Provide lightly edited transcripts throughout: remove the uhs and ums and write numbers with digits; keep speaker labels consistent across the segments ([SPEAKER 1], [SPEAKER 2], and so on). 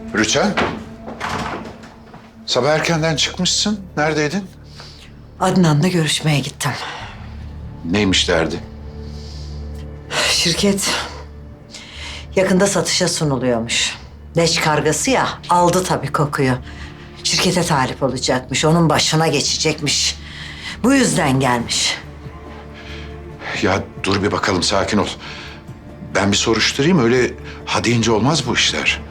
[SPEAKER 1] Rüçhan, sabah erkenden çıkmışsın. Neredeydin?
[SPEAKER 2] Adnan'la görüşmeye gittim.
[SPEAKER 1] Neymiş derdi?
[SPEAKER 2] Şirket yakında satışa sunuluyormuş. Leş kargası ya, aldı tabii kokuyu. Şirkete talip olacakmış, onun başına geçecekmiş. Bu yüzden gelmiş.
[SPEAKER 1] Ya dur bir bakalım, sakin ol. Ben bir soruşturayım, öyle ha deyince olmaz bu işler.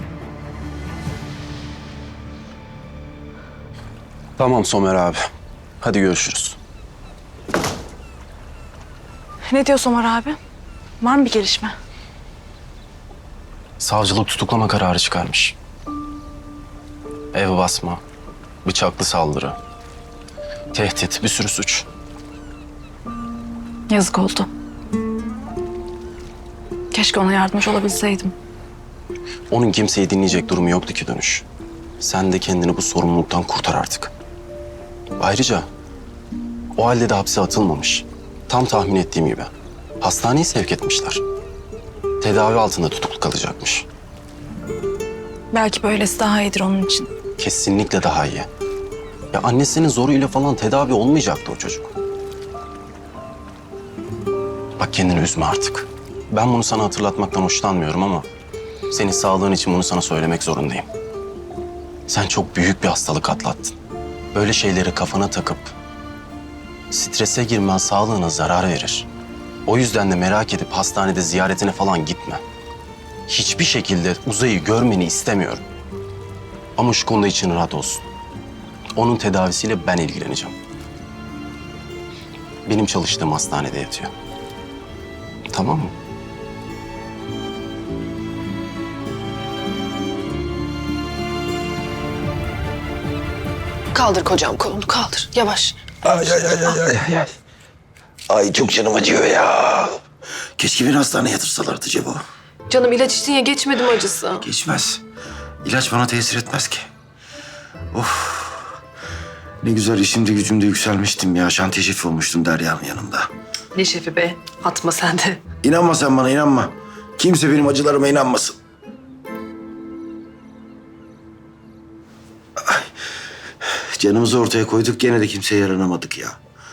[SPEAKER 3] Tamam Somer abi. Hadi görüşürüz.
[SPEAKER 4] Ne diyor Somer abi? Var mı bir gelişme?
[SPEAKER 3] Savcılık tutuklama kararı çıkarmış. Ev basma, bıçaklı saldırı, tehdit, bir sürü suç.
[SPEAKER 4] Yazık oldu. Keşke ona yardımcı olabilseydim.
[SPEAKER 3] Onun kimseyi dinleyecek durumu yoktu ki Dönüş. Sen de kendini bu sorumluluktan kurtar artık. Ayrıca o halde de hapse atılmamış. Tam tahmin ettiğim gibi. Hastaneye sevk etmişler. Tedavi altında tutuklu kalacakmış.
[SPEAKER 4] Belki böylesi daha iyidir onun için.
[SPEAKER 3] Kesinlikle daha iyi. Ya annesinin zoruyla falan tedavi olmayacaktı o çocuk. Bak kendini üzme artık. Ben bunu sana hatırlatmaktan hoşlanmıyorum ama senin sağlığın için bunu sana söylemek zorundayım. Sen çok büyük bir hastalık atlattın. Böyle şeyleri kafana takıp strese girmen sağlığına zarar verir. O yüzden de merak edip hastanede ziyaretine falan gitme. Hiçbir şekilde Uzay'ı görmeni istemiyorum. Ama şu konuda için rahat olsun. Onun tedavisiyle ben ilgileneceğim. Benim çalıştığım hastanede yatıyor. Tamam mı?
[SPEAKER 5] Kaldır kocam kolunu kaldır. Yavaş.
[SPEAKER 6] Ay. Ay çok canım acıyor ya. Keşke beni hastaneye yatırsalardı Cebo.
[SPEAKER 5] Canım ilaç içtin ya geçmedi mi acısı?
[SPEAKER 6] Geçmez. İlaç bana tesir etmez ki. Of. Ne güzel işimde gücümde yükselmiştim ya. Şantiye şefi olmuştum Derya'nın yanında.
[SPEAKER 5] Ne şefi be? Atma sen de.
[SPEAKER 6] İnanma sen bana, inanma. Kimse benim acılarıma inanmasın. Ay. Canımızı ortaya koyduk, gene de kimseye yaranamadık ya.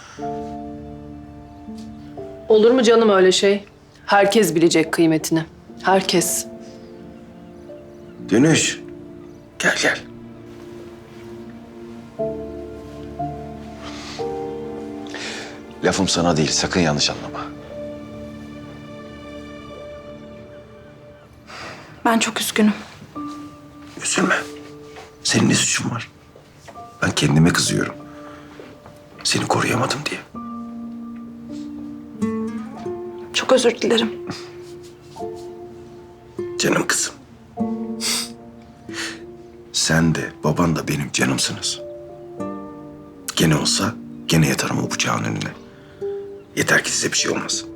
[SPEAKER 5] Olur mu canım öyle şey? Herkes bilecek kıymetini. Herkes.
[SPEAKER 6] Dönüş. Gel. Lafım sana değil, sakın yanlış anlama.
[SPEAKER 4] Ben çok üzgünüm.
[SPEAKER 6] Üzülme. Senin ne suçun var? Ben kendime kızıyorum. Seni koruyamadım diye.
[SPEAKER 4] Çok özür dilerim.
[SPEAKER 6] Canım kızım. Sen de baban da benim canımsınız. Gene olsa gene yatarım o bıçağın önüne. Yeter ki size bir şey olmasın.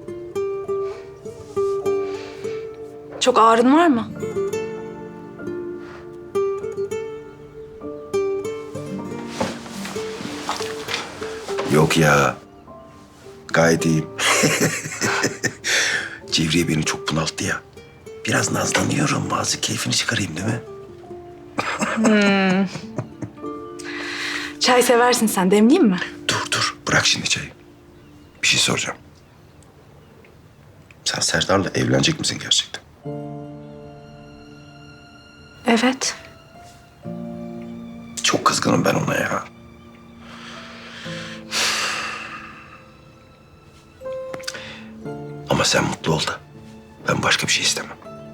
[SPEAKER 4] Çok ağrın var mı?
[SPEAKER 6] Yok ya. Gayet iyiyim. Cevriye beni çok bunalttı ya. Biraz nazlanıyorum. Bazı keyfini çıkarayım değil mi?
[SPEAKER 4] Çay seversin sen. Demleyeyim mi?
[SPEAKER 6] Dur. Bırak şimdi çayı. Bir şey soracağım. Sen Serdar'la evlenecek misin gerçekten?
[SPEAKER 4] Evet.
[SPEAKER 6] Çok kızgınım ben ona ya. Ama sen mutlu ol da. Ben başka bir şey istemem.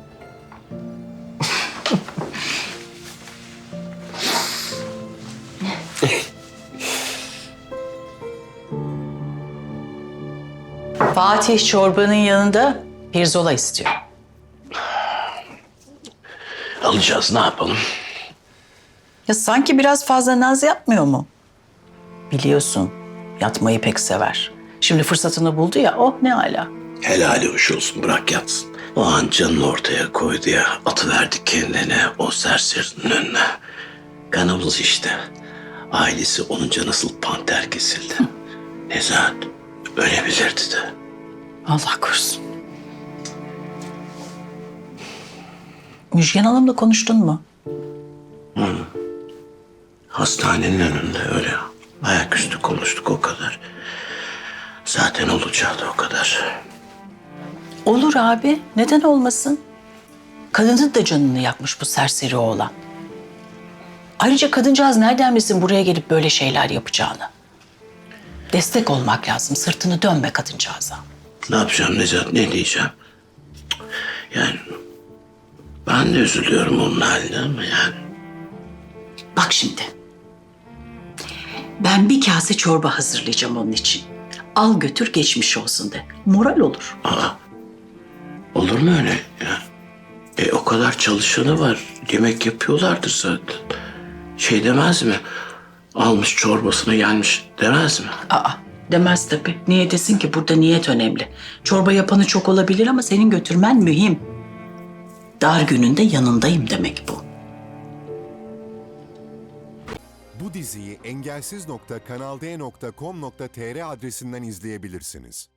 [SPEAKER 7] Fatih çorbanın yanında pirzola istiyor.
[SPEAKER 8] Alacağız, ne yapalım?
[SPEAKER 7] Ya sanki biraz fazla naz yapmıyor mu? Biliyorsun yatmayı pek sever. Şimdi fırsatını buldu ya, oh ne ala.
[SPEAKER 8] Helali hoş olsun, bırak yatsın. O an canını ortaya koydu ya, atıverdi kendini o serserinin önüne. Kanımız işte. Ailesi olunca nasıl panter kesildi. Nezahat ölebilirdi de.
[SPEAKER 7] Allah korusun. Müjgan Hanım'la konuştun mu?
[SPEAKER 8] Hastanenin önünde öyle ayaküstü konuştuk o kadar. Zaten olacağı da o kadar.
[SPEAKER 7] Olur abi, neden olmasın? Kadının da canını yakmış bu serseri oğlan. Ayrıca kadıncağız nereden bilsin buraya gelip böyle şeyler yapacağını? Destek olmak lazım, sırtını dönme kadıncağıza.
[SPEAKER 8] Ne yapacağım Necat, ne diyeceğim? Yani ben de üzülüyorum onun haline ama yani.
[SPEAKER 7] Bak şimdi. Ben bir kase çorba hazırlayacağım onun için. Al götür geçmiş olsun de. Moral olur.
[SPEAKER 8] Olur mu öyle ya? O kadar çalışanı var. Yemek yapıyorlardır zaten. Şey demez mi? Almış çorbasına gelmiş demez mi?
[SPEAKER 7] Aa, demez tabii. Niye desin ki, burada niyet önemli. Çorba yapanı çok olabilir ama senin götürmen mühim. Dar gününde yanındayım demek bu.
[SPEAKER 9] Bu diziyi engelsiz.kanalde.com.tr adresinden izleyebilirsiniz.